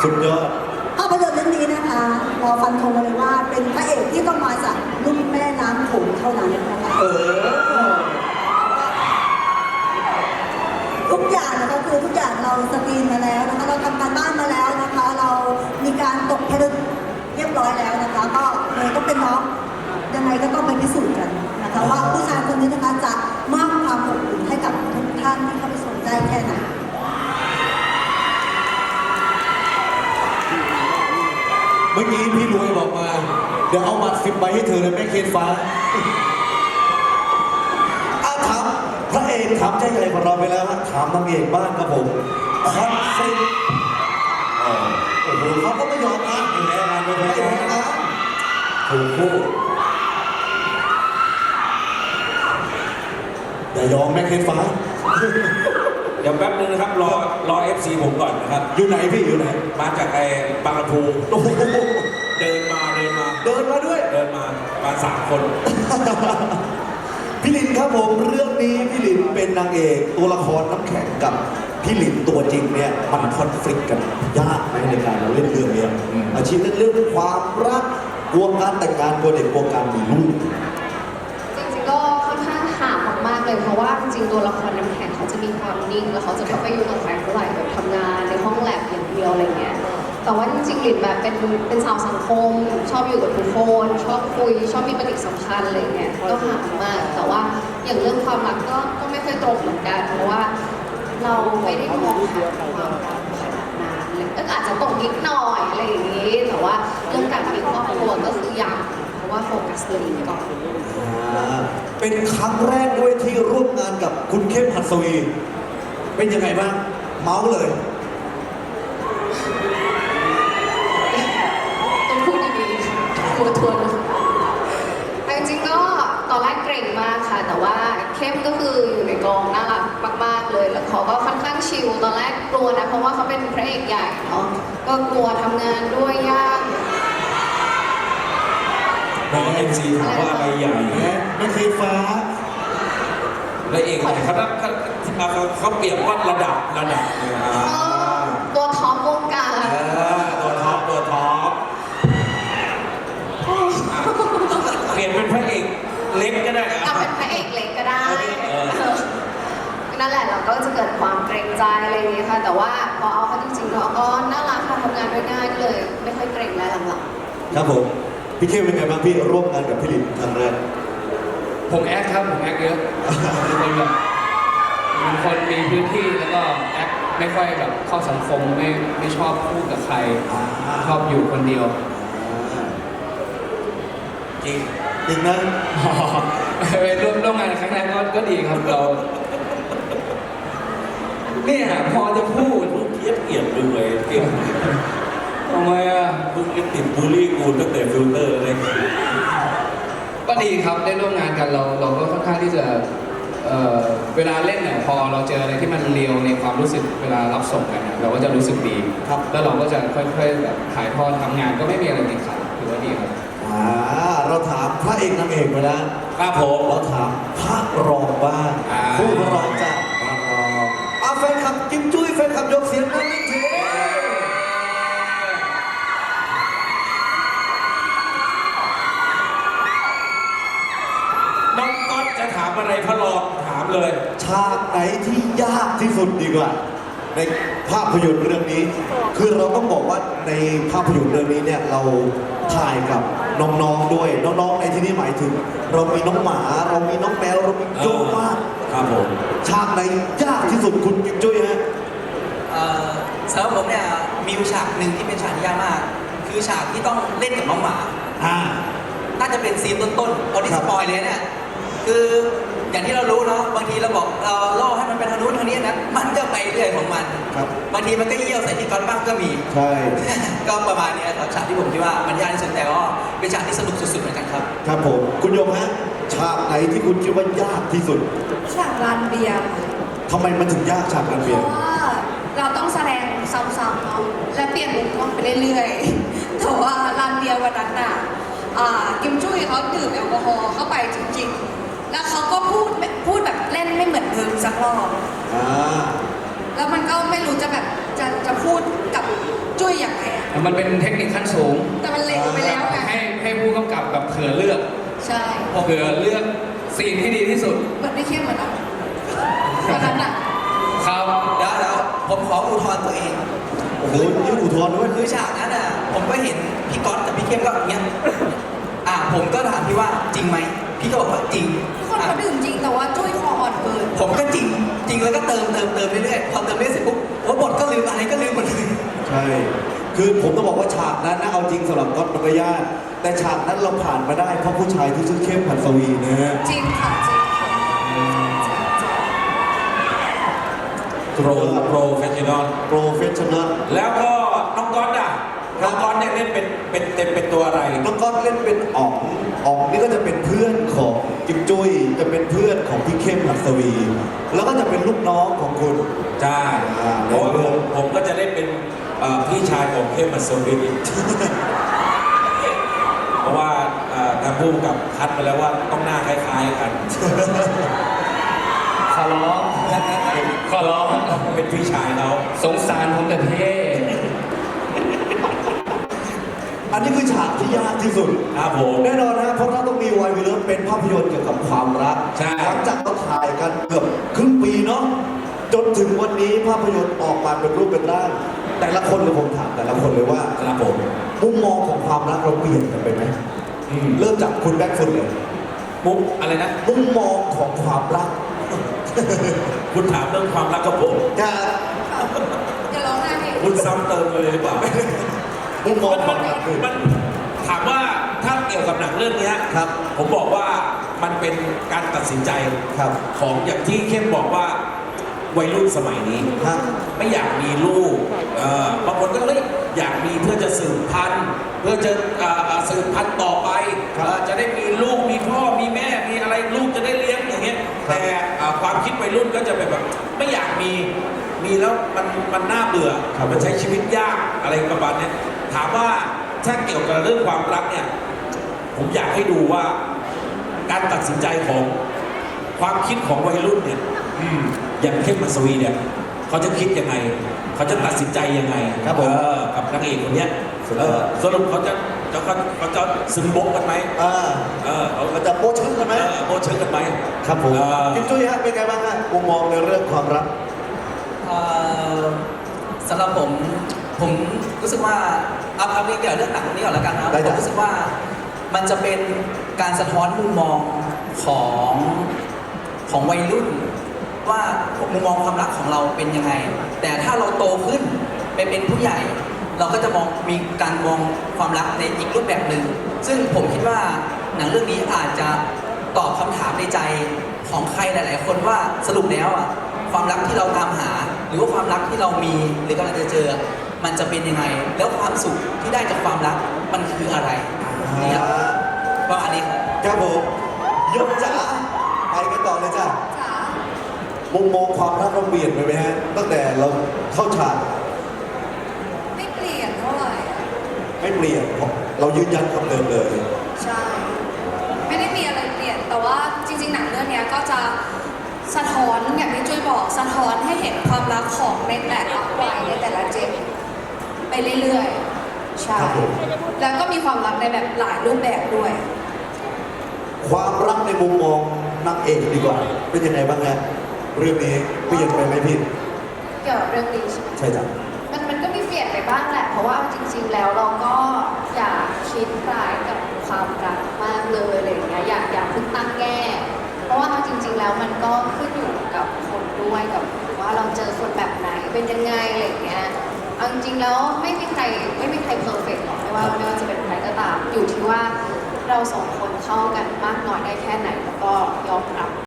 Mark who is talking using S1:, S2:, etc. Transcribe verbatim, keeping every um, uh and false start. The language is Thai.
S1: สุดยอด
S2: ภาพยนตร์เรื่องนี้นะคะเราฟันธงมาเลยว่าเป็นพระเอกที่ต้องมาจากลุ่มแม่น้ำโขงเท่านั้นนะคะเออทุกอย่างนะคะคือทุกอย่างเราสกรีนมาแล้วนะคะเราทำการบ้านมาแล้วนะคะ เรามีการตกผลึกเรียบร้อยแล้วนะคะ ก็เลยต้องเป็นน้องยังไงก็ต้องไปพิสูจน์กันนะคะว่าผู้ชายคนนี้นะคะจะมอบความอบอุ่นให้กับทุกท่านที่เข้าไปชมได้แค่ไหน
S1: เมื่อกี้พี่รวยบอกมาเดี๋ยวเอาบัตรสิบใบให้เธอเลยแม่เคนฟ้าอาถามพระเอกถามใจใหญ่ของเราไปแล้วถามนางเอกบ้างครับผมคอนเซ็ปต์โอ้โหเขาก็ไม่ยอมนะแพ้งานไม่แพ้นะถูกคู่อย่ายอมแม่เคนฟ้า
S3: เดี๋ยวแป๊บนึงนะครับรอรอเอฟซีผมก่อนนะครับ
S1: อยู่ไหนพี่อยู่ไหน
S3: มาจากไอ้บางลำพูเดินมาเดินมา
S1: เดินมาด้วย
S3: เดินมามาสามคน
S1: พี่ลินครับผมเรื่องนี้พี่ลินเป็นนางเอกตัวละครน้ำแข็งกับพี่ลินตัวจริงเนี่ยมันคอนฟ lict กันยากไหมในการเราเล่นเรื่องนี้อาชีพเรื่องความรักกลัวการแต่งงานกลัวเด็กกลัวการมีลูก
S4: จริงๆก็ค่อนข้างห่างมากๆเลยเพราะว่าจริงๆตัวละครน้ำแข็งเขาจะมีความนิ่งแล้วเขาจะไม่ค่อยอยู่กับใครเท่าไหร่แบบทำงานในห้องแลบอย่างเดียวอะไรเงี้ยแต่ว่าจริงๆหลินแบบเป็นเป็นสาวสังคมชอบอยู่กับทุกคนชอบคุยชอบมีปฏิสัมพันธ์อะไรเงี้ยก็ห่างมากแต่ว่าอย่างเรื่องความรักก็ก็ไม่ค่อยตรงเหมือนกันเพราะว่าเราไม่ได้มองหาความรักขนาดนั้นเลยก็อาจจะตรงนิดหน่อยอะไรอย่างนี้แต่ว่าเรื่องการมีครอบครัวก็คือยังเพราะว่าโฟกัสเรื่องนี้ก่อน
S1: เป็นครั้งแรกด้วยที่ร่วมงานกับคุณเข้มหัสวีเป็นยังไงบ้างเมาส์เลย
S4: ต้องพูดดีๆกลัวทวนจริงๆก็ตอนแรกเกรงมากค่ะแต่ว่าเข้มก็คืออยู่ในกองน่ารักมากๆเลยแล้วเขาก็ค่อนข้างชิลตอนแรกกลัวนะเพราะว่าเขาเป็นพระเอกใหญ่เนาะก็กลัวทำงานด้วยยาก
S3: น้องเอ็นซีถามว่าอะไรใหญ่
S1: ไม่เคยฟ้า
S3: และเองเขาเขาเขาเปรียบว่าระดับระดับ
S4: ตัวท็อปวงการ
S3: ตัวท็อปตัวท็อปเปลี่ยนเป็นพระเอกเล็กก็ได้
S4: เอาเป็นพระเอกเล็กก็ได้นั่นแหละเราก็จะเกิดความเกรงใจอะไรอย่างนี้ค่ะแต่ว่าพอเอาเขาจริงๆเขาก็น่ารักค่ะทำงานด้วยง่ายเลยไม่ค่อยเกรงแล้วหลัง
S1: ๆครับผมพี่เข้มเป็นไงบ้างพี่ร่วมงานกับพี่ลินครั้งแรก
S5: ผมแอคครับผมแอคเยอะเป็นคนแบบเป็นคนมีพื้นที่แล้วก็แอคไม่ค่อยแบบเข้าสังคมไม่ไม่ชอบพูดกับใครชอบอยู่คนเดียว
S3: จริง
S1: จริงนะ
S5: ร่วมร่วมงานครั้งแรกก็ก็ดีครับเราเนี่ยพอจะพูด
S3: เทียบเกียบเลยเก่ง
S5: ทำไมอ่ะ
S3: มึงติดบูลลี่กูตั้งแต่ฟิลเตอร์เลย
S5: ก็ดีครับได้ร่วมงานกันเราเราก็ค่อนข้างที่จะเอ่อเวลาเล่นเนี่ยพอเราเจออะไรที่มันเรียวในความรู้สึกเวลารับส่งกันเราก็จะรู้สึกดีครับแล้วเราก็จะค่อยๆแบบถ่ายทอดทำงานก็ไม่มีอะไรติดขัดถือว่าดีครับ
S1: อ่าเราถามพระเอกนางเอกไปแล้ว
S3: ครับผม
S1: เราถามพระรองบ้างผู้รองจากพระรองอาแฟนคลับจิ้มจุ้ยแฟนคลับยกเสียงนั่นนี่ที
S3: น้องก๊อตจะถามอะไรพระรองถามเลย
S1: ฉากไหนที่ยากที่สุดดีกว่าในภาพยนตร์เรื่องนี้คือเราต้องบอกว่าในภาพยนตร์เรื่องนี้เนี่ยเราถ่ายกับน้องๆด้วยน้องๆในที่นี้หมายถึงเรามีน้องหมาเรามีน้องแมวเรามีโจ้มาก
S3: ครับผม
S1: ฉากไหนยากที่สุดคุณกิ๊บจุ้ยฮะ
S6: สำหรับผมเนี่ยมีฉากหนึ่งที่เป็นฉากที่ยากมากคือฉากที่ต้องเล่นกับน้องหมา
S1: อ่า
S6: น่าจะเป็นซีนต้นๆตอนที่สปอยเลยเนี่ยคืออย่างที่เรารู้เนาะบางทีเราบอกเราล่อให้มันไปทางนู้นทางนี้นะมันก็ไปเรื่อยของมันบางทีมันก็เยี่ยวใส่ที่ก้อนบ้างก็มี
S1: ใช่
S6: ก็ประมาณนี้ครับฉากที่ผมคิดว่ามันยากที่สุดแต่ก็เป็นฉากที่สนุกสุดๆเหมือนกันครับ
S1: ครับผมคุณโยมฮะฉากไหนที่คุณคิดว่ายากที่สุด
S2: ฉากลานเบียร์
S1: ทำไมมันถึงยากฉากลานเบียร์
S2: เพราะว่าเราต้องแสดงซ้ำๆเนาะและเปลี่ยนมุมกล้องไปเรื่อยๆแต่ว่าลานเบียร์วันนั้นน่ะกิมจุ้ยเขาดื่มแอลกอฮอล์เข้าไปจริงๆแล้วเขาก็พูดพูดแบบเล่นไม่เหมือนเดิมสักรอบแล้วมันก็ไม่รู้จะแบบจะจะพูดกับจุ
S7: จุ้ยอย่างไรอะ
S5: มันเป็นเทคนิคขั้นสูง
S7: แต่มันเละไปแล้วไง
S5: ให้ให้ผู้กำกับแบบเผื่อเลือก
S7: ใช่
S5: เผื่อเลือกซีนที่ดีที่สุด
S7: เหมือนไม่เข้มเหมือนกันตอนนั้นอะ
S5: ครับ
S6: เดี๋ยวเดี๋ยวผมขออุทธรณ์ตัวเอง
S1: โอ้โหยื่นอุทธรณ์ด้วย
S6: คือฉากนั้นอ่ะผมก็เห็นพี่ก๊อตกับพี่เข้มก็อย่างเงี้ยอ่ะผมก็ถามพี่ว่าจริงไหมพี่ก็บอกว่าจริง
S7: ทุกคน
S6: อ่ะ
S7: เขาดื่มจริงแต่ว่าจุ้ยคออ่อนเกิน
S6: ผมก็จริงจริงแล้วก็เติมเติมเติมเรื่อยๆพอเติมเรื่อยๆเสร็จปุ๊บว่าบทก็ลืมอะไรก็ลืมหมดเลย
S1: ใช่ คือผมต้องบอกว่าฉากนั้นนะเอาจริงสำหรับก๊อตมันก็ยากแต่ฉากนั้นเราผ่านมาได้เพราะผู้ชายที่ชื่อเข้มหัสวีนะฮะ
S7: จริงค่ะจริงค่ะ
S3: โปรโปรเฟชชั่นอล
S1: โปรเฟชชั่นอล
S3: แล้วก็น้องก๊อตอ่ะน้องก๊อตเนี่ยเล่นเป็นเป็นเป็นเป็นตัวอะไร
S1: น้องก๊อตเล่นเป็นอ๋องอ๋องนี่ก็จะเป็นเพื่อนของจิ๊บจุ้ยจะเป็นเพื่อนของพี่เข้มหัสวี แล้วก็จะเป็นลูกน้องของคุณ
S3: ใช่
S1: อ่า
S3: เพราะว่าผมผมก็จะเล่นเป็นเอ่อพี่ชายของเข้มมัสวิน เพราะว่าเอ่อทางผู้กำกับคัดไปแล้วว่าต้องหน้าคล้ายๆกัน
S5: ขอร้อง ขอร้อง
S3: เป็นพี่ชายเขา
S5: สงสารผมแต่เท่
S1: อันนี้คือฉากที่ยากที่สุด
S3: ครับผม
S1: แน่นอนนะเพราะถ้าต้องมีวายวิลเลอร์เป็นภาพยนตร์เกี่ยวกับความรัก
S3: ใช่
S1: หลังจากเราถ่ายกันเกือบครึ่งปีเนาะจนถึงวันนี้ภาพยนตร์ออกมาเป็นรูปเป็นร่างแต่ละคนเลยผมถามแต่ละคนเลยว่า
S3: ครับผม
S1: มุมมองของความรักเราเปลี่ยนกันไปไหม
S3: อืม
S1: เริ่มจากคุณแบ็คฟุตเลย
S3: มุกอะไรนะ
S1: มุมมองของความรัก
S3: คุณถามเรื่องความรักกับผม
S1: จะ
S7: อย่าร้องไห้ดิ
S3: คุณซ้ำเติมเลยหรือเปล่า
S1: มุมมอง
S3: มัน
S1: ค
S3: มั
S1: วาน มรักคือ
S3: มันถามว่าถ้าเกี่ยวกับหนังเรื่องเนี้ย
S1: ครับ
S3: ผมบอกว่ามันเป็นการตัดสินใจ
S1: ครับ
S3: ของอย่างที่เข้มบอกว่าวัยรุ่นสมัยนี้
S1: ครับ
S3: ไม่อยากมีลูกเอ่อบางคนก็เฮ้ยอยากมีเพื่อจะสืบพันธุ์เพื่อจะเอ่อเอ่อสืบพันธุ์ต่อไป
S1: ครับ
S3: เอ่อจะได้มีลูกมีพ่อมีแม่มีอะไรลูกจะได้เลี้ยงอย่างเงี้ย
S1: ครับ
S3: แต่เอ่อความคิดวัยรุ่นก็จะเป็นแบบไม่อยากมีมีแล้วมันมันน่าเบื่อมันใช้ชีวิตยากอะไรประมาณเนี้ยถามว่าถ้าเกี่ยวกับเรื่องความรักเนี่ยผมอยากให้ดูว่าการตัดสินใจของความคิดของวัยรุ่นเนี่ยอืมอย่างเข้มมัสวีเนี่ยเขาจะคิดยังไง เขาจะตัดสินใจยังไง
S1: ครับผม
S3: เออกับนางเอกคนเนี้ย
S1: สุดย
S3: เอ
S1: อด
S3: อสรุปเขาจะจะเขาเขาจะซึมบกกันไหม
S1: อ่า
S3: เออเขา
S1: เราจะโป๊ะชึ้งกันไหม
S3: เออโบเชิงกันไหม
S1: ครับผม
S3: เออ
S1: จิ๊บจุ้ยฮะเป็นไงบ้างฮะมุมมองในเรื่องความรัก
S6: เอ่อสำหรับผมผมรู้สึกว่าเอาเอาเรื่องเกี่ยวกับเรื่องหนังนี้ก่อนแล้วกันนะ
S1: ได้
S6: ผ
S1: จ้ะ
S6: มรู้สึกว่ามันจะเป็นการสะท้อนมุมมองของของวัยรุ่น ว่ามุมมองความรักของเราเป็นยังไง แต่ถ้าเราโตขึ้นไปเป็นผู้ใหญ่ เราก็จะมองมีการมองความรักในอีกรูปแบบหนึ่งซึ่งผมคิดว่าหนังเรื่องนี้อาจจะตอบคำถามในใจของใครหลาย ๆ คนว่าสรุปแล้วอ่ะความรักที่เราตามหา หรือว่าความรักที่เรามีหรือกำลังจะเจอ มันจะเป็นยังไง แล้วความสุขที่ได้จากความรักมันคืออะไรนี่ครับประมาณนี้ครับ
S1: ครับผมยกจ๋าไปกันต่อเลยจ้ะ
S7: จ๋า
S1: มุมมองความรักเราเปลี่ยนไปไหมฮะตั้งแต่เราเข้าฉาก
S7: ไม่เปลี่ยนเท่าไหร่อะ
S1: ไม่เปลี่ยนเพราะเรายืนยันคำเดิมเลย
S7: ใช่ ไม่ได้มีอะไรเปลี่ยน แต่ว่าจริงๆหนังเรื่องเนี้ยก็จะสะท้อนอย่างที่จุ้ยบอกสะท้อนให้เห็นความรักของในแต่ละวัยในแต่ละเจนไปเรื่อยๆ ใช่
S1: ครับผม
S7: แล้วก็มีความรักในแบบหลายรูปแบบด้วย
S1: ความรักในมุมมองนางเอกดีกว่า เป็นยังไงบ้างฮะเรื่องนี้เปลี่ยนไปไหมพี่
S4: เกี่ยวกับเรื่องนี้ใช่ไหม
S1: ใช่จ้ะ
S4: มันมันก็มีเปลี่ยนไปบ้างแหละ เพราะว่าจริง ๆ แล้วเราก็อยากคิดร้ายกับความรักมากเลยอะไรอย่างเงี้ยอยากอยากเพิ่งตั้งแง่ เพราะว่าเอาจริง ๆ แล้วมันก็ขึ้นอยู่กับคนด้วยกับว่าเราเจอคนแบบไหนเป็นยังไงอะไรอย่างเงี้ยเอาจริงๆแล้วไม่มีใครไม่มีใครเพอร์เฟกต์หรอกไม่ว่าไม่ว่าจะเป็นใครก็ตาม อยู่ที่ว่าเราสองคนเข้ากันมากน้อยได้แค่ไหนแล้วก็ยอมรับ